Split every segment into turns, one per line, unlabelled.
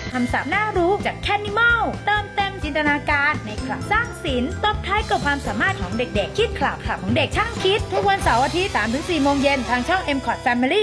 คำศัพท์น่ารู้จากแคนิมอลเติมเต็มจินตนาการในคลับสร้างสรรค์ตบท้ายกับความสามารถของเด็กๆคิดคลับของเด็กช่างคิดทุกวันเสาร์อาทิตย์ 3-4 โมงเย็นทางช่อง MCOT Family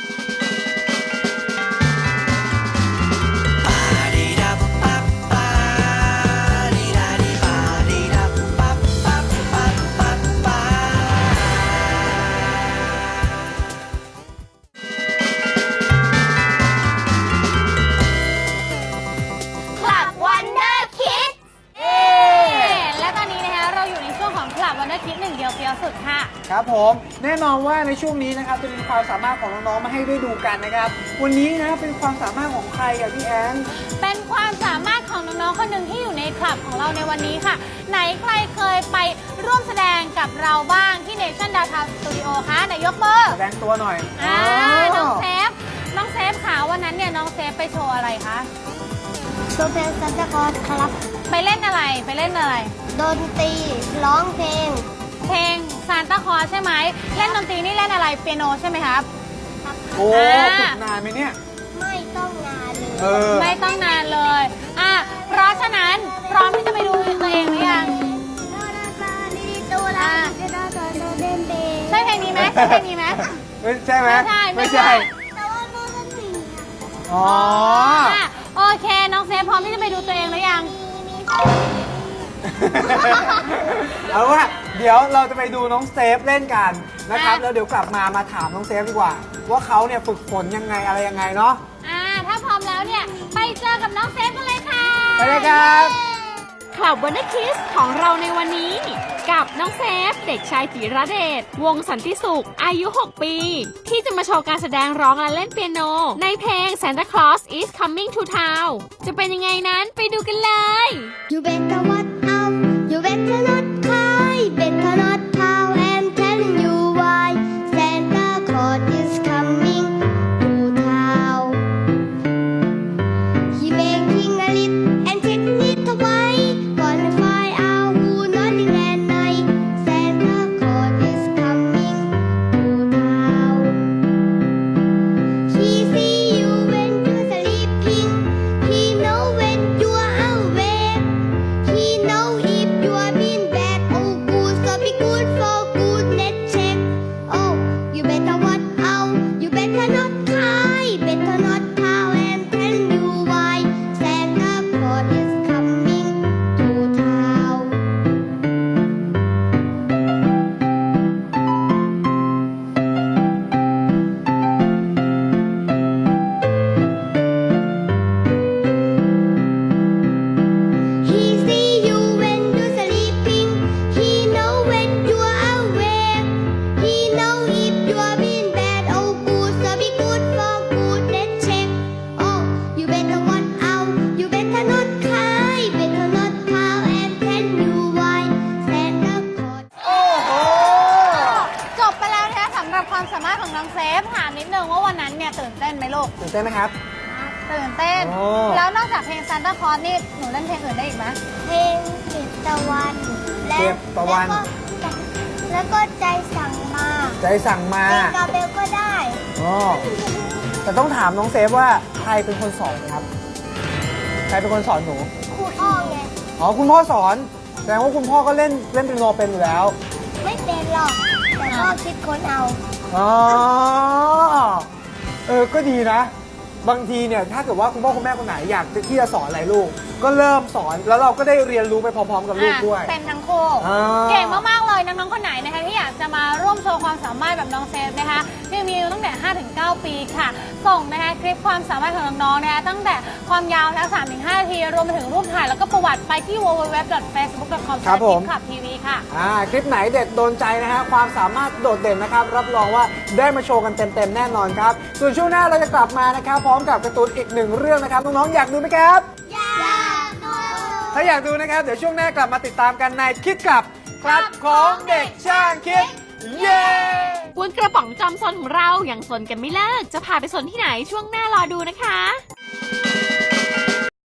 คิดหนึ่งเดียวเฟี้ยวสุดค่ะ
ครับผมแน่นอนว่าในช่วงนี้นะครับจะมีความสามารถของน้องๆมาให้ได้ดูกันนะครับวันนี้นะเป็นความสามารถของใครอะพี่แอน
เป็นความสามารถของน้องๆคนหนึ่งที่อยู่ในคลับของเราในวันนี้ค่ะไหนใครเคยไปร่วมแสดงกับเราบ้างที่ Nation Downtown Studio คะไหนยกมือ
แสดงตัวหน่อย
น้องเซฟค่ะวันนั้นเนี่ยน้องเซฟไปโชว์อะไรคะ
โชว์เพลงซันตาคลอสครับ
ไปเล่นอะไร
ดนตรีร้องเพลง
ซานต้าคลอสใช่ไหมเล่นดนตรีนี่เล่นอะไรเปียโนใช่ไหมครับ
โอ้ฝึกนานไหมเนี่ย
ไม่ต้องนานเลย
ไม่ต้องนานเลยเพราะฉะนั้นพร้อมที่จะไปดูตัวเองหรือยังใช่เพลงนี้ไหม
ใช่ไหมไม่ใช่
แต่ว่าโน้ตสี่
อ๋อ
โอเคน้องเซฟพร้อมที่จะไปดูตัวเองหรือยัง
เอาว่าเดี๋ยวเราจะไปดูน้องเซฟเล่นกันนะครับแล้วเดี๋ยวกลับมาถามน้องเซฟดีกว่าว่าเขาเนี่ยฝึกฝนยังไงอะไรยังไงเนาะ
ถ้าพร้อมแล้วเนี่ยไปเจอกับน้องเซฟกันเลยค่ะ
ไปเลยครับ
คลับวันคิสของเราในวันนี้กับน้องเซฟเด็กชายธีรเดชวงสันติสุขอายุ6 ปีที่จะมาโชว์การแสดงร้องและเล่นเปียโนในเพลง Santa Claus is Coming to Town จะเป็นยังไงนั้นไปดูกันเลย
You better watch out You better not cry Better not pout I'm telling you why Santa Claus is coming to town He making a list and taking it away Gonna find out who naughty and nice Santa Claus is coming to town He see you when you're sleeping He know when you're awake He know if you're being bad Oh good so be good for goodness check Oh you better watch out You better not cry Better not pout I'm telling you why Santa Claus is coming to town He see you when you're sleeping He know when you're awake He know if you're being bad Oh good so be good for goodness check Oh you better watch out You better not cry Better not pout and tell you why Santa Claus
โอ้โห
จบไปแล้วนะคะสำหรับความสามารถของน้องเซฟถามนิดนึงว่าวันนั้นเนี่ยตื่นเต้นไหมลูก
ตื่นเต้นไหมครับ
ตื่นเต้นแล้วนอกจากเพลง Santa Claus นี่หนูเล่นเพลงอื่นได้อีกไหม
เพลงเก็บตะวันแล้วก็ใจสั่งมา
เพลง
กาเบลก็ได้
แต่ต้องถามน้องเซฟว่าใครเป็นคนสอนครับใครเป็นคนสอนหนู
ครูพ่อไง
คุณพ่อสอนแสดงว่าคุณพ่อก็เล่นเปียโนเป็นอยู่แล้ว
ไม่เป็นหรอกแต่พ่อคิดคนเอา
ก็ดีนะบางทีเนี่ยถ้าเกิดว่าคุณพ่อคุณแม่คนไหนอยากที่จะสอนอะไรลูกก็เริ่มสอนแล้วเราก็ได้เรียนรู้ไปพร้อมๆกับลูกด้วย
เป็นทั้งคู่เก่งมากๆเลยน้องๆคนไหนนะคะที่อยากจะมาร่วมโชว์ความสามารถแบบน้องเซฟนะคะที่มีตั้งแต่ 5-9 ปีค่ะส่งนะคะคลิปความสามารถของน้องๆนะคะตั้งแต่ความยาวทั้ง 3-5 นาทีรวมไปถึงรูปถ่ายแล้วก็ประวัติไปที่ www.facebook.com/cliptv ค่ะ
คลิปไหนเด็ดโดนใจนะฮะความสามารถโดดเด่นนะครับรับรองว่าได้มาโชว์กันเต็มๆแน่นอนครับส่วนช่วงหน้าเราจะกลับมานะครับพร้อมกับการ์ตูนอีก1เรื่องนะครับน้องๆอยากดูไหมครับ
อยากดู
ถ้าอยากดูนะครับเดี๋ยวช่วงหน้ากลับมาติดตามกันในคิดกับคลับของเด็กช่างคิดเย้
วุ้นกระป๋องจอมซนของเราอย่างซนกันไม่เลิกจะพาไปซนที่ไหนช่วงหน้ารอดูนะคะ